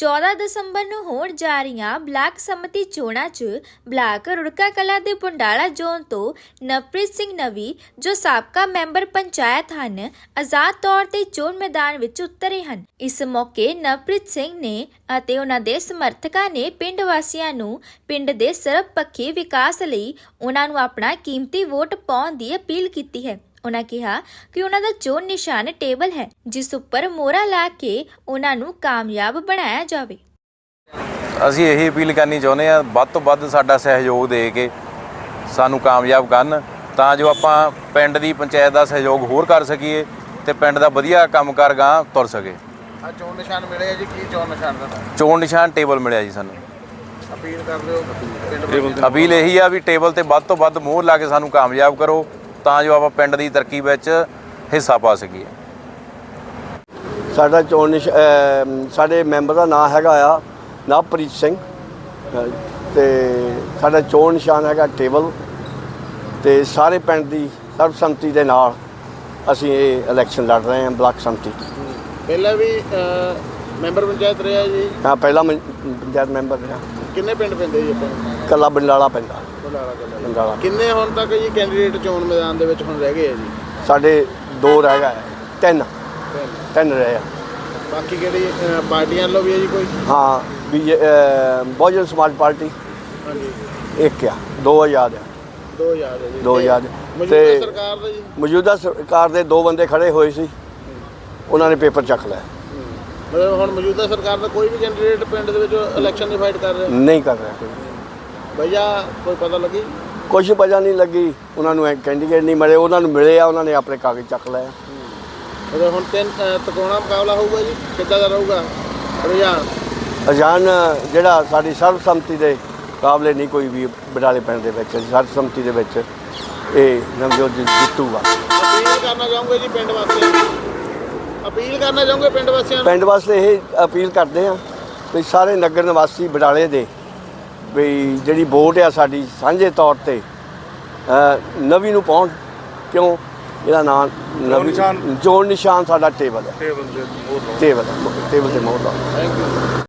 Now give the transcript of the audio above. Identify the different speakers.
Speaker 1: 14 ਦਸੰਬਰ ਨੂੰ ਹੋਣ ਜਾ ਰਹੀਆਂ ਬਲਾਕ ਸਮਿਤੀ ਚੋਣਾਂ 'ਚ ਬਲਾਕ ਰੁੜਕਾ ਕਲਾਂ ਦੇ ਪੁੰਡਾਲਾ ਜ਼ੋਨ ਤੋਂ ਨਵਪ੍ਰੀਤ ਸਿੰਘ ਨਵੀ ਜੋ ਸਾਬਕਾ ਮੈਂਬਰ ਪੰਚਾਇਤ ਹਨ ਆਜ਼ਾਦ ਤੌਰ ਤੇ ਚੋਣ ਮੈਦਾਨ ਵਿੱਚ ਉਤਰੇ ਹਨ। ਇਸ ਮੌਕੇ ਨਵਪ੍ਰੀਤ ਸਿੰਘ ਨੇ ਅਤੇ ਉਹਨਾਂ ਦੇ ਸਮਰਥਕਾਂ ਨੇ ਪਿੰਡ ਵਾਸੀਆਂ ਨੂੰ ਪਿੰਡ ਦੇ ਸਰਬਪੱਖੀ ਵਿਕਾਸ ਲਈ ਉਹਨਾਂ ਨੂੰ ਆਪਣਾ ਕੀਮਤੀ ਵੋਟ ਪਾਉਣ ਦੀ ਅਪੀਲ ਕੀਤੀ ਹੈ। ਉਹਨਾਂ ਕਿਹਾ ਕਿ ਉਹਨਾਂ ਦਾ ਚੋਣ ਨਿਸ਼ਾਨ ਟੇਬਲ ਹੈ ਜਿਸ ਉੱਪਰ ਮੋਹਰਾ ਲਾ ਕੇ ਉਹਨਾਂ ਨੂੰ ਕਾਮਯਾਬ ਬਣਾਇਆ ਜਾਵੇ।
Speaker 2: ਅਸੀਂ ਇਹੀ ਅਪੀਲ ਕਰਨੀ ਚਾਹੁੰਦੇ ਹਾਂ, ਵੱਧ ਤੋਂ ਵੱਧ ਸਾਡਾ ਸਹਿਯੋਗ ਦੇ ਕੇ ਸਾਨੂੰ ਕਾਮਯਾਬ ਕਰਨ ਤਾਂ ਜੋ ਆਪਾਂ ਪਿੰਡ ਦੀ ਪੰਚਾਇਤ ਦਾ ਸਹਿਯੋਗ ਹੋਰ ਕਰ ਸਕੀਏ ਤੇ ਪਿੰਡ ਦਾ ਵਧੀਆ ਕੰਮਕਾਰ ਗਾਂਹ ਤੁਰ ਸਕੇ।
Speaker 3: ਆ ਚੋਣ ਨਿਸ਼ਾਨ ਮਿਲਿਆ ਜੀ, ਕੀ ਚੋਣ ਨਿਸ਼ਾਨ ਦਾ?
Speaker 2: ਚੋਣ ਨਿਸ਼ਾਨ ਟੇਬਲ ਮਿਲਿਆ ਜੀ ਸਾਨੂੰ।
Speaker 3: ਅਪੀਲ ਕਰਦੇ ਹੋ ਪਿੰਡ
Speaker 2: ਅਪੀਲ ਇਹੀ ਆ ਵੀ ਟੇਬਲ ਤੇ ਵੱਧ ਤੋਂ ਵੱਧ ਮੋਹਰ ਲਾ ਕੇ ਸਾਨੂੰ ਕਾਮਯਾਬ ਕਰੋ ਤਾਂ ਜੋ ਆਪਾਂ ਪਿੰਡ ਦੀ ਤਰੱਕੀ ਵਿੱਚ ਹਿੱਸਾ ਪਾ ਸਕੀਏ।
Speaker 4: ਸਾਡਾ ਸਾਡੇ ਮੈਂਬਰ ਦਾ ਨਾਮ ਹੈਗਾ ਆ ਨਵਪ੍ਰੀਤ ਸਿੰਘ ਤੇ ਸਾਡਾ ਚੋਣ ਨਿਸ਼ਾਨ ਹੈਗਾ ਟੇਬਲ ਤੇ ਸਾਰੇ ਪਿੰਡ ਦੀ ਸਰਬਸੰਮਤੀ ਦੇ ਨਾਲ ਅਸੀਂ ਇਹ ਇਲੈਕਸ਼ਨ ਲੜ ਰਹੇ ਹਾਂ। ਬਲਾਕ ਸੰਮਤੀ
Speaker 3: ਪਹਿਲਾਂ ਵੀ ਮੈਂਬਰ ਪੰਚਾਇਤ ਰਿਹਾ ਜੀ?
Speaker 4: ਹਾਂ, ਪਹਿਲਾਂ ਪੰਚਾਇਤ ਮੈਂਬਰ ਰਿਹਾ।
Speaker 3: ਕਿੰਨੇ ਪਿੰਡ ਪੈਂਦੇ ਜੀ ਆਪਾਂ?
Speaker 4: ਕੱਲਾ ਬੰਡਾਲਾ ਪੈਂਦਾ। ਬੰਡਾਲਾ
Speaker 3: ਕਿੰਨੇ ਹੁਣ ਤੱਕ ਜੀ ਕੈਂਡੀਡੇਟ ਚੋਣ ਮੈਦਾਨ ਦੇ ਵਿੱਚ ਹੁਣ ਰਹਿ ਗਏ ਆ ਜੀ?
Speaker 4: ਸਾਡੇ 2 ਰਹਿ ਗਏ, 3 ਰਹੇ ਆ।
Speaker 3: ਬਾਕੀ ਕਿਹੜੀ ਪਾਰਟੀਆਂ ਵੱਲੋਂ ਵੀ ਹੈ ਜੀ ਕੋਈ?
Speaker 4: ਹਾਂ, ਬਹੁਜਨ ਸਮਾਜ ਪਾਰਟੀ
Speaker 3: ਹਾਂਜੀ
Speaker 4: ਇੱਕ ਆ, 2 ਆਜ਼ਾਦ ਆ।
Speaker 3: 2000 ਹੈ ਜੀ।
Speaker 4: 2 ਆਜ਼ਾਦ
Speaker 3: ਮੌਜੂਦਾ ਸਰਕਾਰ ਦਾ ਜੀ?
Speaker 4: ਮੌਜੂਦਾ ਸਰਕਾਰ ਦੇ 2 ਬੰਦੇ ਖੜੇ ਹੋਏ ਸੀ, ਉਹਨਾਂ ਨੇ ਪੇਪਰ ਚੱਕ ਲਿਆ।
Speaker 3: ਮਤਲਬ ਹੁਣ ਮੌਜੂਦਾ ਸਰਕਾਰ ਦਾ ਕੋਈ ਵੀ ਕੈਂਡੀਡੇਟ ਪਿੰਡ ਦੇ ਵਿੱਚ ਇਲੈਕਸ਼ਨ ਦੀ ਫਾਈਟ ਕਰ ਰਿਹਾ
Speaker 4: ਨਹੀਂ ਕਰ ਰਿਹਾ ਕੋਈ।
Speaker 3: ਭਈਆ ਕੋਈ ਪਤਾ ਲੱਗੀ?
Speaker 4: ਕੁਛ ਵਜ੍ਹਾ ਨਹੀਂ ਲੱਗੀ, ਉਹਨਾਂ ਨੂੰ ਕੈਂਡੀਡੇਟ ਨਹੀਂ ਮਿਲੇ, ਉਹਨਾਂ ਨੂੰ ਮਿਲੇ ਆ, ਉਹਨਾਂ ਨੇ ਆਪਣੇ ਕਾਗਜ਼ ਚੱਕ ਲਏ।
Speaker 3: ਮਤਲਬ ਹੁਣ 3 ਤਕੋਣਾ ਮੁਕਾਬਲਾ ਹੋਊਗਾ ਜੀ, ਕਿੱਦਾਂ ਦਾ ਰਹੂਗਾ
Speaker 4: ਰੁਝਾਨ? ਜਿਹੜਾ ਸਾਡੀ ਸਰਬਸੰਮਤੀ ਦੇ ਮੁਕਾਬਲੇ ਨਹੀਂ ਕੋਈ ਵੀ ਬਡਾਲੇ ਪਿੰਡ ਦੇ ਵਿੱਚ ਸਰਬਸੰਮਤੀ ਦੇ ਵਿੱਚ ਇਹ ਨਵਜੋਤ ਜਿੱਤੂਗਾ।
Speaker 3: ਅਪੀਲ ਕਰਨਾ ਚਾਹੂੰਗੇ ਜੀ ਪਿੰਡ ਵਾਸੀਆਂ ਨੂੰ? ਅਪੀਲ ਕਰਨਾ ਚਾਹੂੰਗੇ ਪਿੰਡ ਵਾਸੀਆਂ ਨੂੰ?
Speaker 4: ਪਿੰਡ ਵਾਸਤੇ ਇਹ ਅਪੀਲ ਕਰਦੇ ਆ ਵੀ ਸਾਰੇ ਨਗਰ ਨਿਵਾਸੀ ਬਡਾਲੇ ਦੇ ਵੀ ਜਿਹੜੀ ਵੋਟ ਆ ਸਾਡੀ ਸਾਂਝੇ ਤੌਰ ਤੇ ਨਵੀ ਨੂੰ ਪਾਉਣ। ਕਿਉਂ? ਇਹਦਾ ਨਾਮ ਚੋਣ ਨਿਸ਼ਾਨ ਸਾਡਾ ਟੇਬਲ ਹੈ। ਟੇਬਲ ਤੇ ਮੋਹਰ ਲਾਓ।
Speaker 3: Thank you.